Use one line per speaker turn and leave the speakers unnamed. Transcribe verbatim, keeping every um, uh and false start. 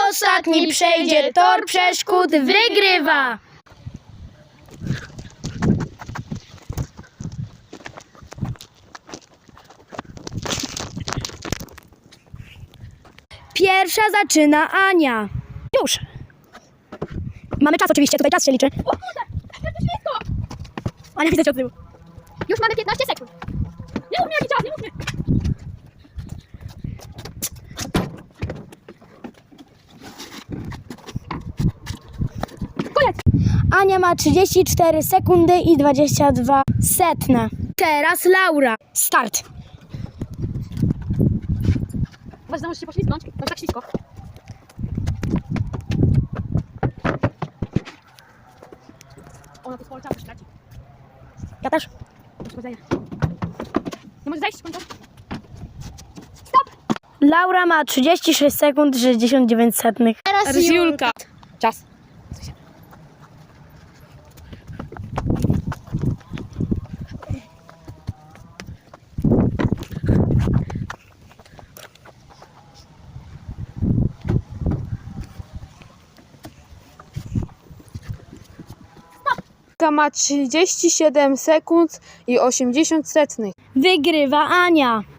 ostatni przejdzie tor przeszkód, wygrywa! Pierwsza zaczyna Ania. Już. Mamy czas oczywiście, tutaj czas się liczy.
O kurde, jak to ślisko!
Ania, widzę cię od tyłu.
Już mamy piętnaście sekund. Nie mów mi jaki czas, nie mów mi. Koniec.
Ania ma trzydzieści cztery sekundy i dwadzieścia dwa setne. Teraz Laura. Start.
Właśnie możesz się poślizgnąć, to jest tak ślisko. Ona tu sporo czasu traci.
Ja też.
Uszkodzenia. Nie możesz zejść z końca? Stop!
Laura ma trzydzieści sześć sekund, sześćdziesiąt dziewięć setnych.
Teraz Julka. Czas.
Julka ma trzydzieści siedem sekund i osiemdziesiąt setnych.
Wygrywa Ania.